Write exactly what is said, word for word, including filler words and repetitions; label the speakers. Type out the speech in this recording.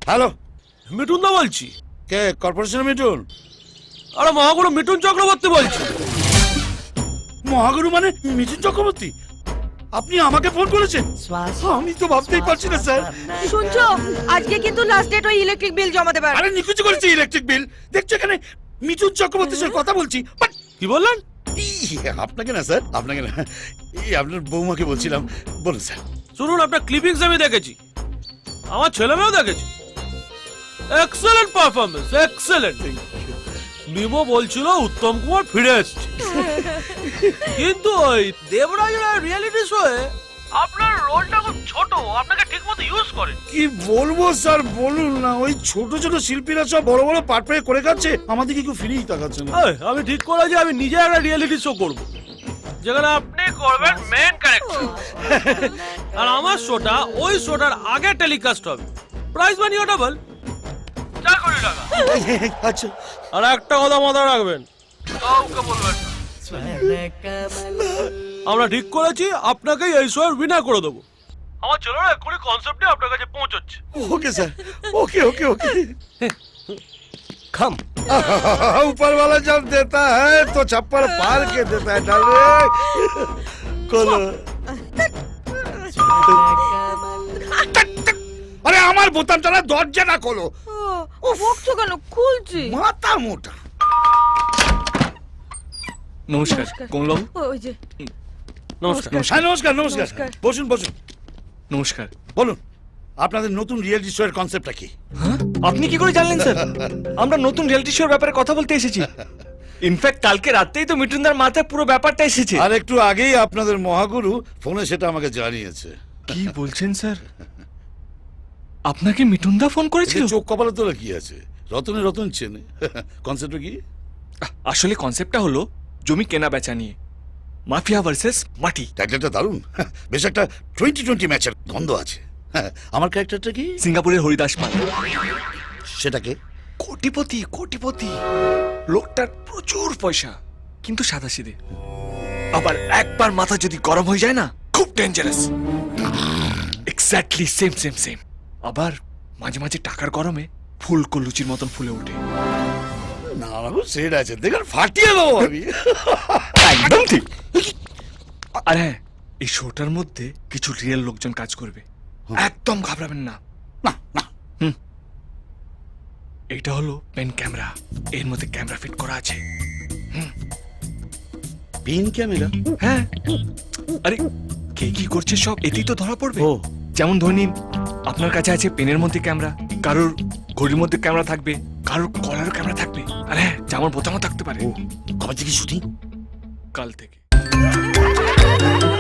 Speaker 1: Hello,
Speaker 2: Mithun দা বলছি।
Speaker 1: কে? কর্পোরেশনের মিঠুন?
Speaker 2: আরে মহাগুরু মিঠুন চক্রবর্তী বলছি।
Speaker 1: মহাগুরু মানে মিঠুন চক্রবর্তী? আপনি আমাকে ফোন করেছেন? আমি তো ভাবতেই পারছি না স্যার।
Speaker 3: শুনছো, আজকে কিন্তু লাস্ট ডেট ওই ইলেকট্রিক বিল জমা দেবার।
Speaker 1: আরে নিকুচি করেছি ইলেকট্রিক বিল। দেখছো এখানে মিঠুন চক্রবর্তীর সাথে কথা বলছি। বাট
Speaker 2: কি বললেন?
Speaker 1: আপনাকে না স্যার, আপনাকে না, এই আপনার বৌমাকে বলছিলাম। বলুন স্যার।
Speaker 2: শুনুন, আপনার ক্লিপিংস আমি দেখেছি, আমার ছেলে মেয়েও দেখেছি। Excellent performance, excellent. মিমো বলছিল উত্তম কুমার ফিরে এসছে, কিন্তু ওই দেবরাজের রিয়েলিটি শোয়ে আপনার রোলটা খুব ছোট, আপনাকে ঠিকমতো ইউজ করেন।
Speaker 1: কি বলবো স্যার, বলুন না। ওই ছোট ছোট শিল্পীরা সব বড় বড় পাট পেয়ে করে খাচ্ছে, আমাদেরকে কেউ ফিরেই তাকাচ্ছে না।
Speaker 2: এই, আমি ঠিক করেছি আমি নিজে একটা রিয়েলিটি শো করব, যেখানে আপনি করবেন মেন ক্যারেক্টার, আর আমার শোটা ওই শোটার আগে টেলিকাস্ট হবে। প্রাইস মানিও ডাবল, চার কোটি টাকা।
Speaker 1: আচ্ছা,
Speaker 2: আর একটা কথা মাথায় রাখবেন, কাউকে বলবেন না। আমরা ঠিক করেছি আপনাকেই এই শোয়ের উইনার করে দেবো। আমার ছেলেরা এক্ষুনি কনসেপ্টে আপনার কাছে পৌঁছচ্ছে।
Speaker 1: Okay sir, okay okay okay.
Speaker 2: খাম
Speaker 1: ऊपर वाला जब देता है तो छप्पर पार के देता है डाले। खोलो। আরে আমার বোতামটা না, দরজাটা খোলো।
Speaker 3: ও বকছো কেন? খুলছি।
Speaker 1: মাথা মোটা।
Speaker 4: নমস্কার কমলবাবু।
Speaker 3: ওই যে
Speaker 2: নমস্কার।
Speaker 1: হ্যাঁ নমস্কার নমস্কার,
Speaker 3: নমস্কার।
Speaker 1: বসুন বসুন।
Speaker 4: নমস্কার।
Speaker 1: বলুন, আপনাদের নতুন রিয়েলিটি শো এর কনসেপ্টটা কি?
Speaker 4: হ্যাঁ? আপনি কি করে জানলেন স্যার? আমরা নতুন রিয়েলিটি শোর ব্যাপারে কথা বলতে এসেছি। ইনফ্যাক্ট কালকে রাতেই তো মিঠুনদার মাথায় পুরো ব্যাপারটা এসেছে।
Speaker 1: আর একটু আগেই আপনাদের মহাগুরু ফোনে সেটা আমাকে জানিয়েছে।
Speaker 4: কি বলছেন স্যার? আপনাকে মিঠুনদা ফোন করেছিল?
Speaker 1: চোখ কপালে তোলা কি আছে, রতনে রতন চেনে। কনসেপ্টটা কি?
Speaker 4: আসলে কনসেপ্টটা হলো জমি কেনা বেচা নিয়ে, মাফিয়া ভার্সেস মাটি।
Speaker 1: টাইটেলটা দারুণ, বেশ একটা টোয়েন্টি টোয়েন্টি ম্যাচের গন্ধ আছে। আমার ক্যারেক্টারটা কি?
Speaker 4: সিঙ্গাপুরের হরিদাস পাল।
Speaker 1: সেটাকে
Speaker 4: কোটিপতি, কোটিপতি লোকটার প্রচুর পয়সা, কিন্তু সাদাসিধে। আবার একবার মাথা যদি গরম হয়ে যায় না, খুব dangerous. Exactly same same same. আবার মাঝে মাঝে টাকার গরমে ফুলকো লুচির মতন ফুলে ওঠে।
Speaker 1: না বাবু, সেট আছে, দেখুন ফাটিয়ে দেবো আমি।
Speaker 4: একদম ঠিক। আর হ্যাঁ, এই শোটার মধ্যে কিছু রিয়েল লোকজন কাজ করবে, একদম ঘাবড়াবেন না।
Speaker 1: না না,
Speaker 4: এটা হলো পেন ক্যামেরা, এর মধ্যে ক্যামেরা ফিট করা আছে।
Speaker 1: Pin camera?
Speaker 4: হ্যাঁ, আরে কে কি করছে সব এতেই তো ধরা পড়বে।
Speaker 1: ও,
Speaker 4: যেমন ধরে নিন, আপনার কাছে আছে পেনের মধ্যে ক্যামেরা, কারোর ঘড়ির মধ্যে ক্যামেরা থাকবে, কারোর কলারও ক্যামেরা থাকবে, আর হ্যাঁ, জামার বোতামও থাকতে পারে।
Speaker 1: ও, কবে থেকে শুটিং?
Speaker 4: কাল থেকে।